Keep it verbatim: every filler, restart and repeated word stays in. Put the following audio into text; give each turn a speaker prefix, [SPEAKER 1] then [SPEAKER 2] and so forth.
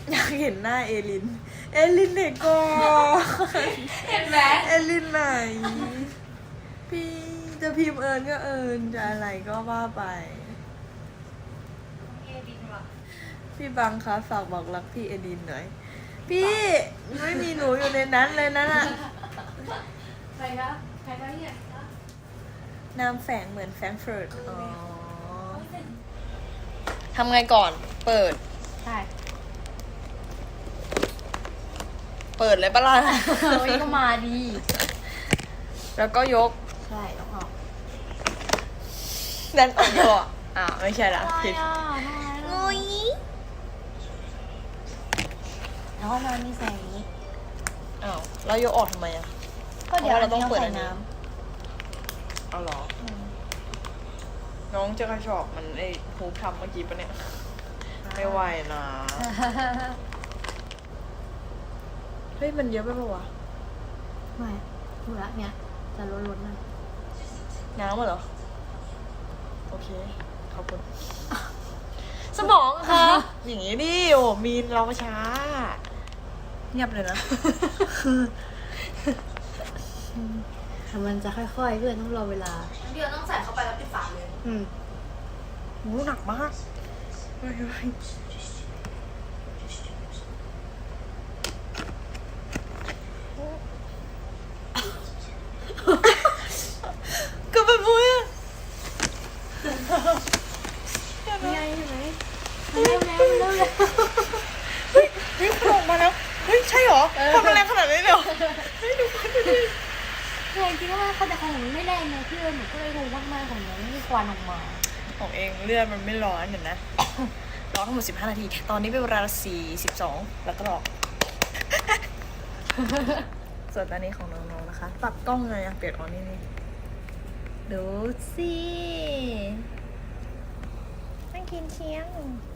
[SPEAKER 1] อยากเห็นหน้าเอลิน เอลินเด็กก่อน
[SPEAKER 2] เห็นไหม
[SPEAKER 1] เอลินไหน พี่จะพิมพ์เอิญก็เอิญจะอะไรก็ว่าไป
[SPEAKER 2] เอดินว่ะ
[SPEAKER 1] พี่บังคะฝากบอกรักพี่เอลินหน่อย พี่ไม่มีหนูอยู่ในนั้นเลยนั่นอะ
[SPEAKER 2] ใครคะใครคะเนี่ย
[SPEAKER 1] นามแฝงเหมือนแฟรงก์เฟิร์ตอ๋อทำไงก่อน เปิด
[SPEAKER 2] ใช่
[SPEAKER 1] เปิดเลยปะล่ะ
[SPEAKER 2] เฮ้ยก็มาดี
[SPEAKER 1] แล้วก็ยก
[SPEAKER 2] ใช่ต้องออก
[SPEAKER 1] ดันออกดีกว่าอ่าไม่ใช่ละผิด
[SPEAKER 2] อ่ะ
[SPEAKER 1] งุย
[SPEAKER 2] แล้วก็มามีแสงนี้
[SPEAKER 1] อ้าวแล้วยกออกทำไมอ่ะ
[SPEAKER 2] ก็เดี๋ยว
[SPEAKER 1] เพราะว่าเราต้องเปิด
[SPEAKER 2] ใส่
[SPEAKER 1] อันนี้
[SPEAKER 2] น้
[SPEAKER 1] เอาเหรอ น้องจะกระชอกมันไอ้ฮูปทำเมื่อกี้ปะเนี่ย ไม่ไหวนะ เฮ้ย มันเยอะไปปะวะ
[SPEAKER 2] ำไม่ถูกละเนี่ยจะล้นๆหน่อย
[SPEAKER 1] น้ำเหรอ โอเค ขอบคุณ สมองค่ะ อย่างงี้ดิโอ้มีนเราช้า เงียบเลยนะ
[SPEAKER 2] แต่มันจะค่อยๆเพื่อนต้องรอเวลา
[SPEAKER 3] เดี๋ยวต้องใส่เข้าไปแล้วปิดฝาเลย
[SPEAKER 2] อืม
[SPEAKER 1] โหหนักมากเฮ้ยเฮ้ยก็เป็นมุ้ยอะ
[SPEAKER 2] นี่ไงใช่ไหมเร็วแล้วเร็วแล้ว
[SPEAKER 1] เฮ้ยเฮ้ยมันออกมาแล้ว เฮ้ย ใช่เหรอความมันแรงขนาดนี้เลยเหรอเฮ้ยดูมันดูดิ
[SPEAKER 2] คือจริงๆว่าเขาแต่ของหนูไม่แรงนะพี่เอิญหนูก็เลยงงมากๆของหนูไม่มีควันออกมา
[SPEAKER 1] ของเองเลือดมันไม่ร้อนเห็นนะ ร้อนทั้งหมดสิบห้านาที ตอนนี้เป็นเวลาสี่สิบสองแล้วก็รอ ส่วนตอนนี้ของน้องๆนะคะ ปรับกล้องไงอะเปลี่ยนออนนี่นี่ดูสินั่งกินเชียง